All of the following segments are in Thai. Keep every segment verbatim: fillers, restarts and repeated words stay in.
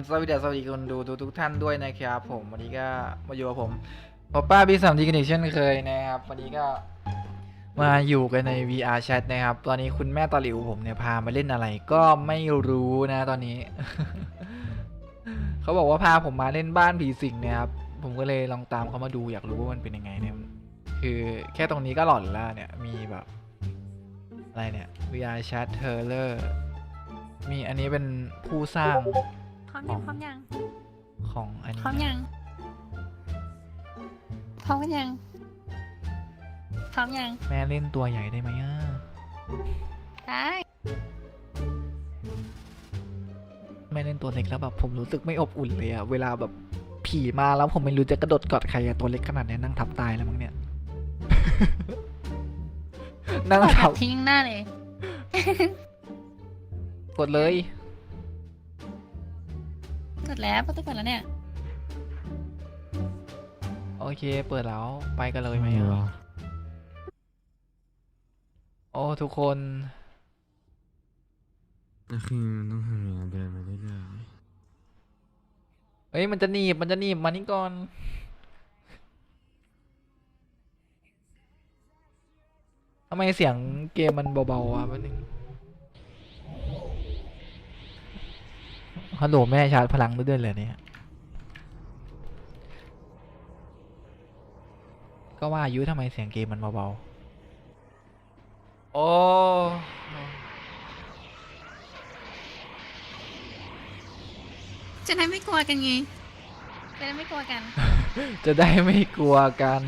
สวัสดีสวัสดีคนดูทุกทุกท่านด้วยนะครับผมวันนี้ก็มาอยู่กับผมปอป้าพี่สามทีกันอีกเช่นเคยนะครับวันนี้ก็มาอยู่กันใน วี อาร์ Chat นะครับตอนนี้คุณแม่ตาหลิวผมเนี่ยพามาเล่นอะไรก็ไม่รู้นะตอนนี้ เขาบอกว่าพาผมมาเล่นบ้านผีสิงนะครับผมก็เลยลองตามเขามาดูอยากรู้ว่ามันเป็นยังไงเนี่ยคือแค่ตรงนี้ก็หลอนแล้วเนี่ยมีแบบอะไรเนี่ย วี อาร์ Chat Trailer มีอันนี้เป็นผู้สร้างพร้อมยังพร้อมยังของอันพร้อมนี้ยังพร้อมกันยังพร้อมยังแม่เล่นตัวใหญ่ได้ไหมอ่ะได้แม่เล่นตัวเล็กแล้วแบบผมรู้สึกไม่อบอุ่นเลยอะเวลาแบบผีมาแล้วผมไม่รู้จะกระโดดกอดใครอะตัวเล็กขนาดนี้นั่งทับตายแล้วมั้งเนี่ย นั่งกดทัแบบ บทิ้งหน้าเลยกดเลยกดแล้วประตูกดแล้วเนี่ยโอเคเปิดแล้วไปกันเลยไหมอะโอ้ทุกคนก็คือมันต้องทำอย่างนั้นเดินไปเรื่อยเอ้ยมันจะหนีบมันจะหนีบมานี่ก่อนทำไมเสียงเกมมันเบาๆอ่ะแป๊บนึงฮัลโหลแม่ชาร์จพลังด้วยเลยเนี่ยก็ว่าอายุทำไมเสียงเกมมันเบาๆโอ้จะได้ไม่กลัวกันไงจะได้ไม่กลัวกันจะได้ไม่กลัวกัน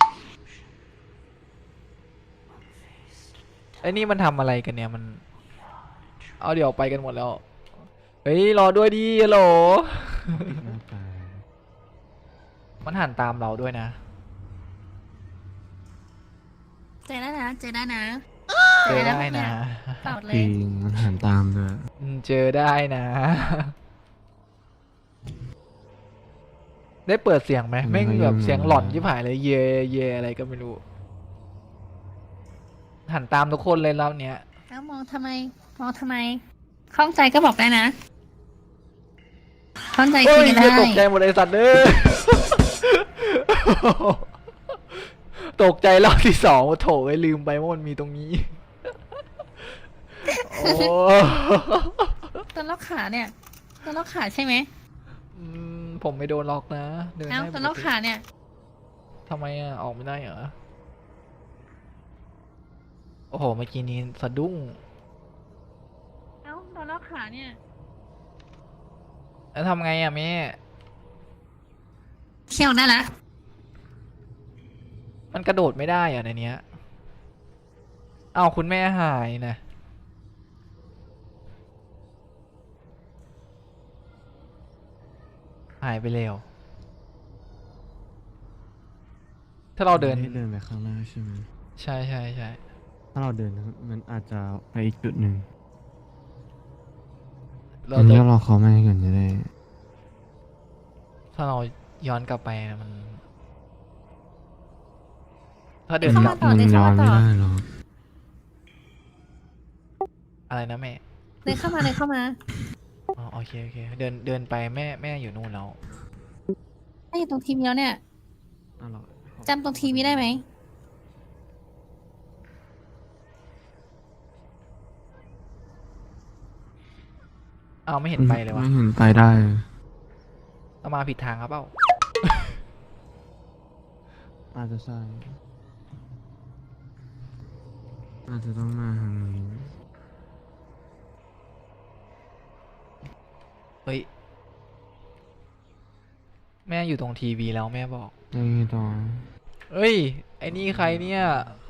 ไอ้นี่มันทำอะไรกันเนี่ยมันเอาเดี๋ยวไปกันหมดแล้วเฮ้ยรอด้วยดิฮัลโหลๆหน้าตามันหันตามเราด้วยนะเจอได้นะเจอได้นะเจอได้นะเปล่าเลจริยงมันหันตามด้วยอืมเจอได้นะ ได้เปิดเสียงไหมแม่งแบบเสียงหลอนที่ผายเลยเยเยอะไรก็ไม่รู้หันตามทุกคนเลยรอบเนี้ยแล้วมองทำไมมองทำไมข้องใจก็บอกได้นะข้องใจโอ้คุยยกันเหี้ยได้ตกใจหมดไอ้สัตว์เด้อ ตกใจรอบที่สองโถไอ้ลืมไปว่ามันมีตรงนี้ โอ้ตัวล็อกขาเนี่ยตัวล็อกขาใช่ไหมอืมผมไม่โดนล็อกนะเดินเอ้าได้ตัวล็อกขาเนี่ยทำไมอ่ะออกไม่ได้เหรอโอ้โหเมื่อกี้นี้สะดุ้งเอ้าตัวล็อกขาเนี่ยแล้วทำไงอ่ะแม่เที่ยวได้ละมันกระโดดไม่ได้อ่ะในเนี้ยเอาคุณแม่หายนะหายไปแล้ว ถ้าเราเดินไม่ได้เดินไปข้างหน้าใช่ไหมใช่ใช่ใช่ถ้าเราเดินมันอาจจะไปอีกจุดหนึ่งเราอันจะนี้ก็รอเขามาให้ก่อนจะได้ถ้าเราย้อนกลับไปนะมัน ถ้าเดินเข้ากลัมาบต่อมันเดินย้เข้าอนมาไม่ต่อได้หรอกอะไรนะแม่เดินเข้ามาเดินเข้ามาอ๋อโอเคโอเคเดินเดินไปแม่แม่อยู่นู่นแล้วถ้าอยู่ตรงทีวีแล้วเนี่ยอ้าวเหรอจำตรงทีวีได้ไหมเอาไม่เห็นไปเลยวะไม่เห็นไปได้เรามาผิดทางครับเปล่าอาจจะใช่อาจจะต้องมาทางนี้เฮ้ยแม่อยู่ตรงทีวีแล้วแม่บอกยังไงต่อเอ้ยไอ้นี่ใครเนี่ย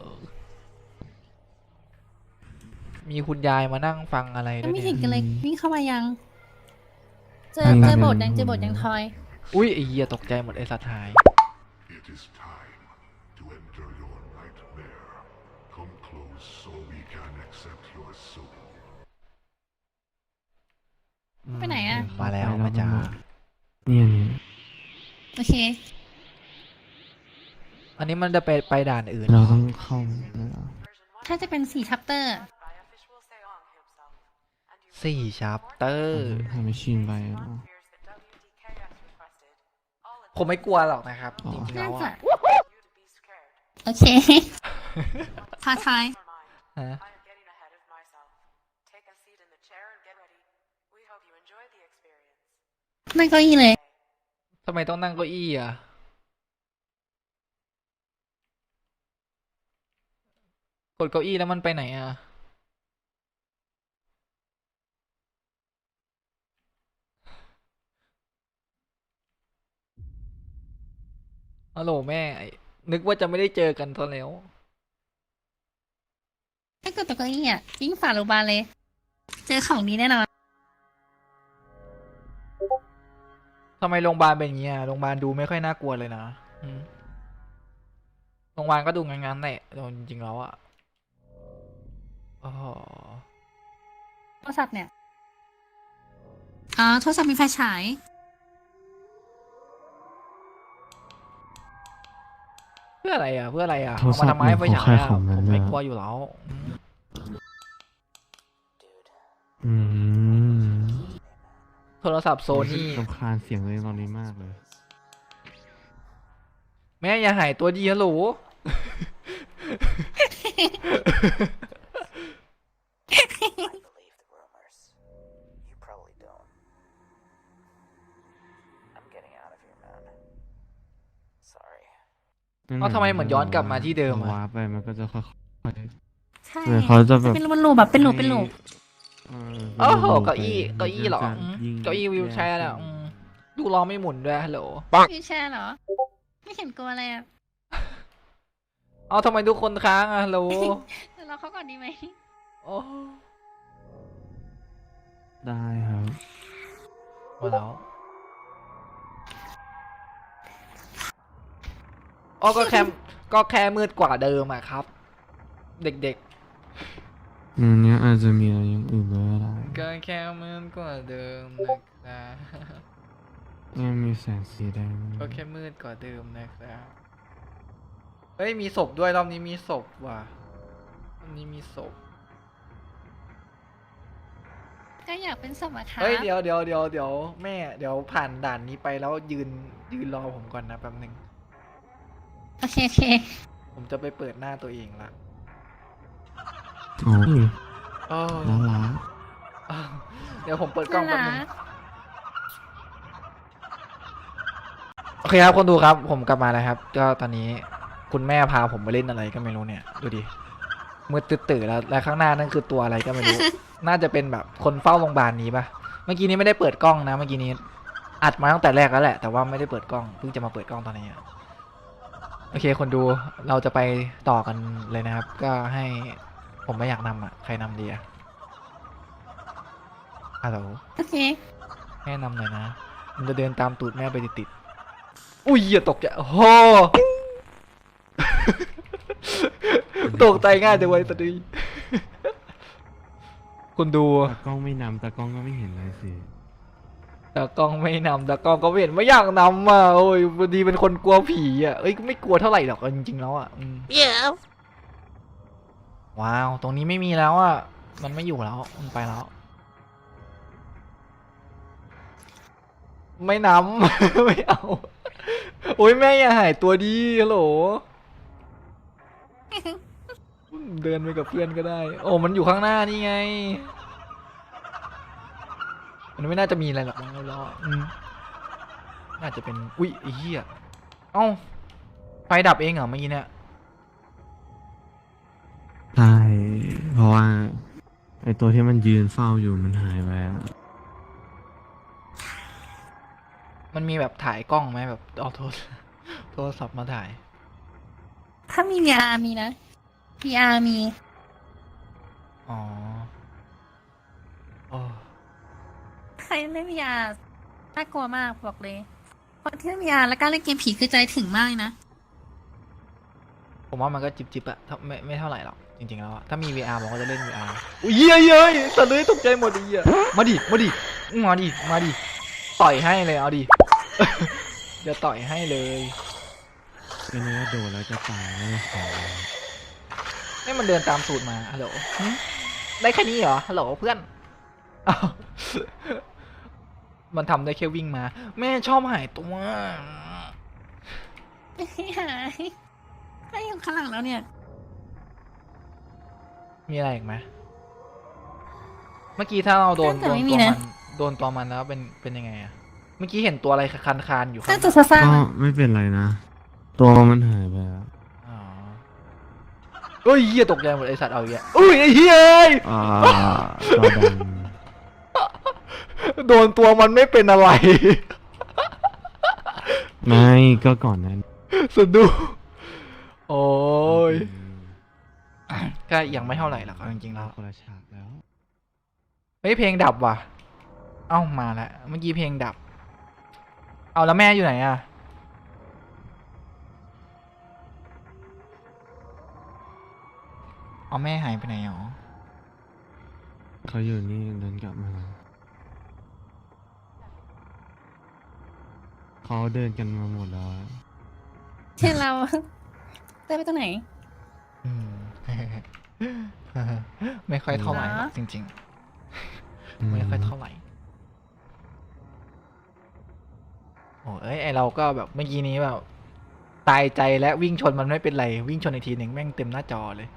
มีคุณยายมานั่งฟังอะไรด้ยัวงยไม่เนี่เห็นยกันเลยวิ่งเข้ามายัง เจอไม่เจไม่อบทไม่ยังเจอบทยังทอยอุ้ยไอ้เหี้ยตกใจหมดไอ้สัตว์หาย It is time to enter your nightmare. Come close so we can accept your soul. ไปไหนอะมาแล้วมาจ้าเนี่ยเนี่ยโอเคอันนี้มันจะไปไปด่านอื่นเราต้องเข้าแล้วเหรอถ้าจะเป็นสี่ชัปเตอร์สี่ชัปเตอร์ทำให้ชินไปเหรอผมไม่กลัวหรอกนะครับอ๋อจริงๆน่าแล้วจะอะโอเค ท้าทายฮะ I am getting ahead of myself. Take a seat in the chair and get ready. We hope you enjoy the experience. นั่งเก้าอี้เลยทำไมต้องนั่งเก้าอี้อ่ะ กดเก้าอี้แล้วมันไปไหนอ่ะ ฮัลโหลแม่ไอ้นึกว่าจะไม่ได้เจอกันซะแล้วถ้าเกิดตัวเก้าอี้อ่ะยิ่งฝ่าโรงพยาบาลเลย เจอของดีแน่นอนทำไมโรงพยาบาลเป็นอย่างเงี้ยโรงพยาบาลดูไม่ค่อยน่ากลัวเลยนะอืมโรงพยาบาลก็ดูงั้นๆแหละแต่จริงๆแล้วอะอ๋อโทรศัพท์เนี่ย อ๋อ โทรศัพท์มีไฟฉายเพื่ออะไรอะเพื่ออะไรอะโทรเอาศัมาพท์ทำไมไฟเนี่ยฉายเขาอะขายของผมนั่นไม่น่ะกลัวอยู่แล้วอืมอืมโทรศัพท์โซนี่รำคาญเสียงเลยตอนนี้มากเลยแม่อย่าหายตัวดีฮัลโหล believe the rumors. You probably don't. I'm getting out of here, man. Sorry. เอ้าทำไมเหมือนย้อนกลับมาที่เดิมอะวาร์ปไปมันก็จะค่อยใช่ๆเหมือนเขาจะแบบเป็นรูปแบบเป็นรูปเป็นรูปเออโอ้โหป็นรูปเก้าอี้ไปเก้าอี้เหรอมันอืมยิ่งเก้าอี้วิวแชร์แย่อะขึ้นอืมดูล้อไม่หมุนด้วยฮัลโหลวิวแชร์เหรอ ไม่เห็นกลัวอะไรอ่ะเอาทำไมทุกคนค้างอะฮัลโหลเดี๋ยวรอเขาก่อนดีไหมโอ้ได้ครับหมดแล้วอ๋อก็แค่ก็แค่มืดกว่าเดิมอะครับ เด็กอันเนี้ยอาจจะมีอะไรอย่างอื่นด้วยก็ได้ๆ ก็แค่มืดกว่าเดิมนะครับเนี่ยมีแสงสีแดงก็แค่มืดกว่าเดิมนะครับเฮ้ยมีศพด้วยรอบนี้มีศพว่ะรอบนี้มีศพก็อยากเป็นสมอะค่ะเฮ้ยเดี๋ยวเดี๋ยวเดี๋ยวเดี๋ยวแม่เดี๋ยวผ่านด่านนี้ไปแล้วยืนยืนรอผมก่อนนะแป๊บหนึ่งโอเคโอเคผมจะไปเปิดหน้าตัวเองละโอ้ยอ้าวน่ารักอ้าวเดี๋ยวผมเปิดกล้องแป๊บหนึงน่ารักโอเคครับคนดูครับ ผมกลับมาแล้วครับ ก็ตอนนี้คุณแม่พาผมไปเล่นอะไรก็ไม่รู้เนี่ย ดูดิมืดตื่นๆแล้วและข้างหน้านั่นคือตัวอะไรก็ไม่รู้ น่าจะเป็นแบบคนเฝ้าโรงพยาบาลนี้ปะเมื่อกี้นี้ไม่ได้เปิดกล้องนะ เมื่อกี้นี้อัดมาตั้งแต่แรกแล้วแหละ แต่ว่าไม่ได้เปิดกล้อง เพิ่งจะมาเปิดกล้องตอนนี้อะโอเค คนดูเราจะไปต่อกันเลยนะครับ ก็ให้ผมไม่อยากนำอ่ะ ใครนำดีอ่ะฮัลโหลโอเคแม่นำหน่อยนะ มันจะเดินตามตูดแม่ไปติดๆอุ้ยอย่าตกใจโอ้โห ตกใจง่ายจังเว้ยตอนนี้คุณดูตากล้องไม่นำตากล้องก็ไม่เห็นเลยสิตากล้องไม่นำตากล้องก็ไม่เห็นไม่อยากนำอ่ะโอ้ยพอดีเป็นคนกลัวผีอ่ะเอ้ยก็ไม่กลัวเท่าไหร่หรอกจริงๆแล้วอ่ะอืม yeah ว้าว ตรงนี้ไม่มีแล้วอ่ะ มันไม่อยู่แล้ว มันไปแล้ว ไม่นำ ไม่เอา โอ้ยแม่อย่าหายตัวดีฮัลโหล เดินไปกับเพื่อนก็ได้ โอ้มันอยู่ข้างหน้านี่ไง มันไม่น่าจะมีอะไรหรอกมั้งแล้วอืมน่าจะเป็น อุ๊ยไอ้เหี้ย เอ้า ไฟดับเองเหรอเมื่อกี้เนี่ยใช่ เพราะว่าไอตัวที่มันยืนเฝ้าอยู่มันหายไปอะมันมีแบบถ่ายกล้องไหมแบบเอาโทรโทรศัพท์มาถ่ายถ้ามี วี อาร์ มีนะ วี อาร์ มีอ๋อโอ้ใครเล่น วี อาร์ น่ากลัวมากบอกเลยคนที่เล่น วี อาร์ แล้วกล้าเล่นเกมผีคือใจถึงมากเลยนะผมว่ามันก็จิบจิบๆอะถ้าไม่ไม่เท่าไหร่หรอก จริงๆแล้วอะถ้ามี วี อาร์ ผมก็จะเล่น วี อาร์ อุ้ยเย้ยเย้ยสัตว์เลยตกใจหมดไอ้เหี้ยมาดิ มาดิ มาดิ มาดิ ต่อยให้เลย เอาดิ เดี๋ยวต่อยให้เลยก็นึกว่าโดนแล้วจะตายไม่ได้ขอให้มันเดินตามสูตรมา ฮัลโหลหึได้แค่นี้เหรอ ฮัลโหลเพื่อนอ้าวมันทำได้แค่วิ่งมา แม่ชอบหายตัวไม่หายก็อยู่ข้างหลังแล้วเนี่ยมีอะไรอีกไหมเมื่อกี้ถ้าเราโดนน่าจะโดนไม่มีตัวนะมันโดนตัวมันแล้วเป็นเป็นยังไงอะเมื่อกี้เห็นตัวอะไรคันคานๆอยู่ข้าน่างหจะน้าซ่าก็ๆไม่เป็นไรนะ ตัวมันหายไปแล้วอ๋อเฮ้ยเหี้ยตกใจหมดไอสัตว์เอาอย่างเงี้ยอุ้ยไอ้เหี้ยเอ้ยอ่าตัวดโดนตัวมันไม่เป็นอะไรำไม่ก็ก่อนนั้นสะดุ้งโอ้ยก็ยังไม่เท่าไหร่หรอกเอาจริงๆแล้วคนละฉากแล้วเฮ้ยเพลงดับว่ะ เอ้ามาแล้วเมื่อกี้เพลงดับ เอาแล้วแม่อยู่ไหนอะเอาแม่หายไปไหนหรอเขาอยู่นี่เดินกลับมาเขาเดินกันมาหมดแล้วอะเช่นเราเต้นไปตรงไหนอืม ไม่ค่อยเท่าไหร่หรอกเหรอจริงๆ ไม่ค่อยเท่าไหร่ โอ้เอ้ยไอเราก็แบบเมื่อกี้นี้แบบตายใจและวิ่งชนมันไม่เป็นไร วิ่งชนอีกทีหนึ่งแม่งเต็มหน้าจอเลย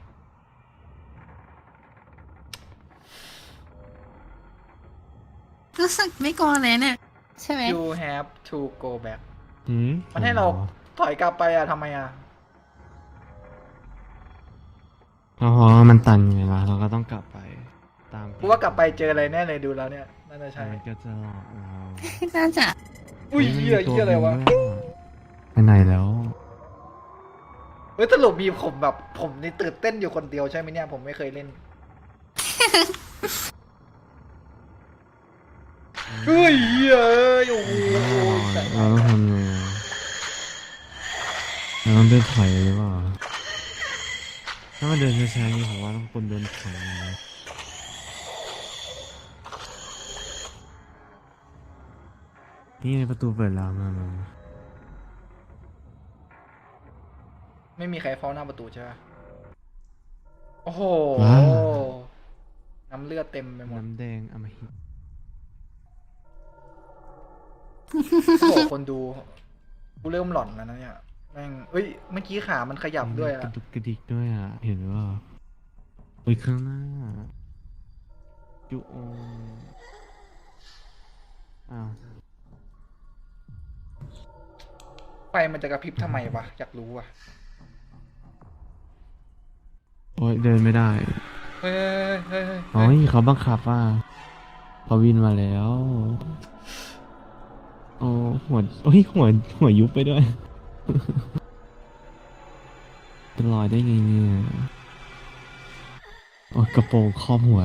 รู้สึกไม่กลัวเลยเนี่ย ใช่ไหม you have to go back หืมมันให้เราถอยกลับไปอะทำไมอะเพราะว่ามันตันไงล่ะเราก็ต้องกลับไป ตามกูว่ากลับไปเจออะไรแน่เลยดูแล้วเนี่ยน่าจะใช่มันก็จะหลอกเราน่าจะอุ้ยฮ้เหี้ยมันมีเหี้ยอะไรวะตัวด้วยไปไหนแล้วเฮ้ยสรุปมีผมแบบผมนี่ตื่นเต้นอยู่คนเดียวใช่ไหมเนี่ยผมไม่เคยเล่น เฮ้ยเฮ้ยโอ้โหเราต้องทำไงอะเราต้องเดินถอยหรือเปล่าถ้ามันเดินช้าๆอย่างนี้ผมว่าต้องคนเดินถอยนะนี่ไงประตูเปิดแล้วมามามาไม่มีใครเฝ้าหน้าประตูใช่ปะโอ้โหว้าวน้ำเลือดเต็มไปหมดน้ำแดงอมหิตโอ้โหคนดูกูเริ่มหลอนแล้วนะเนี่ยแม่งเอ้ยเมื่อกี้ขามันขยับด้วยกอะระดุกกระดิกด้วยอ่ะ เห็นว่าอุ้ยข้างหน้าจุโออ้าวไฟมันจะกระพริบทำไมวะอยากรู้อะโอ้ยเดินไม่ได้เฮ้ยเฮ้ยเฮ้ยโอ้ยเขาบังคับว่าเขาวินมาแล้ว โอ้หัวโอ้ยหัวหัวยุบไปด้วย เป็นรอยได้ไงเนี่ยโอ้ยกระโปรงครอบหัว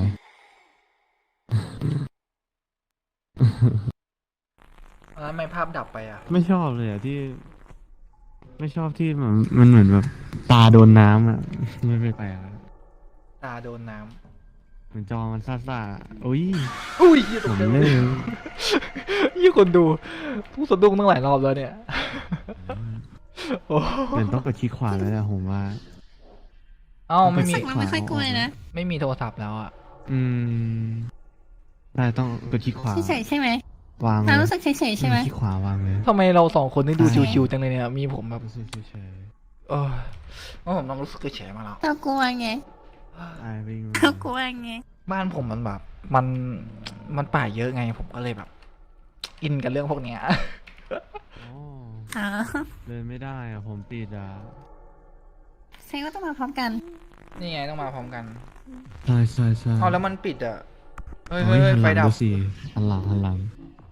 แล้วทำไมภาพดับไปอะไม่ชอบเลยอ่ะที่ ไม่ชอบที่มันมันเหมือนแบบตาโดนน้ำอ่ะ ไม่ไปแปลกอะตาโดนน้เหมือนจอมันซ่าๆโอ้ยำอุ้ยยี่ตผกมใจเลยยี่คนดูผู้สะดุ้งตั้งหลายรอบแล้วเนี่ยโอ้เหมือนต้องกดคลิกขวาแล้วแหละผมว่าเอ้าไม่มีรู้สึกว่าไม่ค่อยกลัวเลยนะไม่มีโทรศัพท์แล้วอะอืมได้ต้องกดคลิกขวาเฉยๆใช่ไหมวางเลเรายรู้สึกเฉยๆใช่ไหมคลิกขวาวางเลยทำไมเราสองคนนี่ดูใช่ชิวๆจังเลยเนี่ยมีผมแบบรู้สึกเฉยเออว่าผมต้องรู้สึกเฉยๆมาแล้วเรากลัวไงๆไอ้วิ่งมาเรากลัวไงบ้านผมมันแบบ มันมันป่าเยอะไงผมก็เลยแบบ อินกับเรื่องพวกเนี้ยโอ้อ๋อเดินไม่ได้อะผมติดอ่ะแสดงว่าต้องมาพร้อมกันนี่ไงต้องมาพร้อมกันใช่ใช่ใช่เอาแล้วมันปิดอ่ะเฮ้ยโอ้เฮ้ยยเฮ้ยหันหไฟลังดับดูสิหันหลังหันหลัง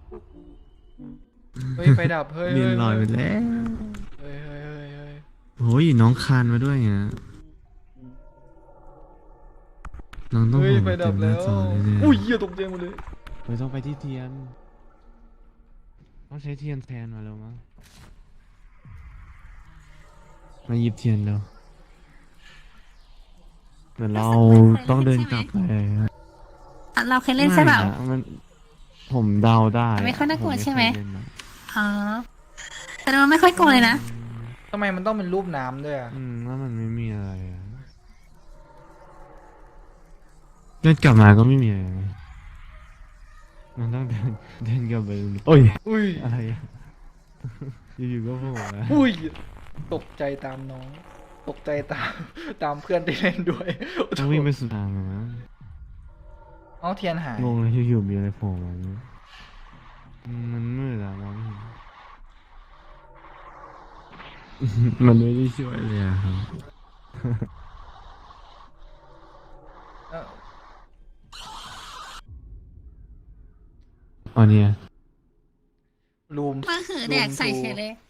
เฮ้ยไฟดับเฮ้ยลิเฮ้นยลอยไปแล้วเฮ้ยเฮ้ยเฮ้ยเฮ้ยโอ้ยน้องคานมาด้วยไงน้องต้องเฮ้ยห่วงไฟเต็ดับมหน้าแล้วจอแน่ๆอุ้ยเหี้ยตกใจหมดเลยไม่ต้องไปที่เทียน ต้องใช้เทียนแทนมาแล้วมั้งมาหยิบเทียนแล้วเหมือนเราต้องเดินกลับไปอะเราเคยเล่นใช่เปล่าไม่นะมันผมเดาได้อะไม่ค่อยน่ากลัวผใช่ไหมเคยเล่นอะอ๋อ แต่เราไม่ค่อยกลัวเลยนะทำไมมันต้องเป็นรูปน้ำด้วยอ่ะอืมว่ามันไม่มีอะไรอะเดินกลับมาก็ไม่มีอะไรนะมันต้องเดินเดินกลับไปโอ้ยอุ้ยอะไรอะ อยู่ๆก็โผล่มาอุ้ยตกใจตามน้อง ตกใจตาม ตามเพื่อนที่เล่นด้วยต้องวิ่งไปสุดทางอะนะเอาเทียนหายงงเลยอยู่ๆมีอะไรโผล่มาเนี่ยมันมืดอะมองไม่เห็น มันไม่ได้ช่วยเลยอะครับเอ้าอ๋อเนี่ยรูมมาหือแดกใส่เฉยเลย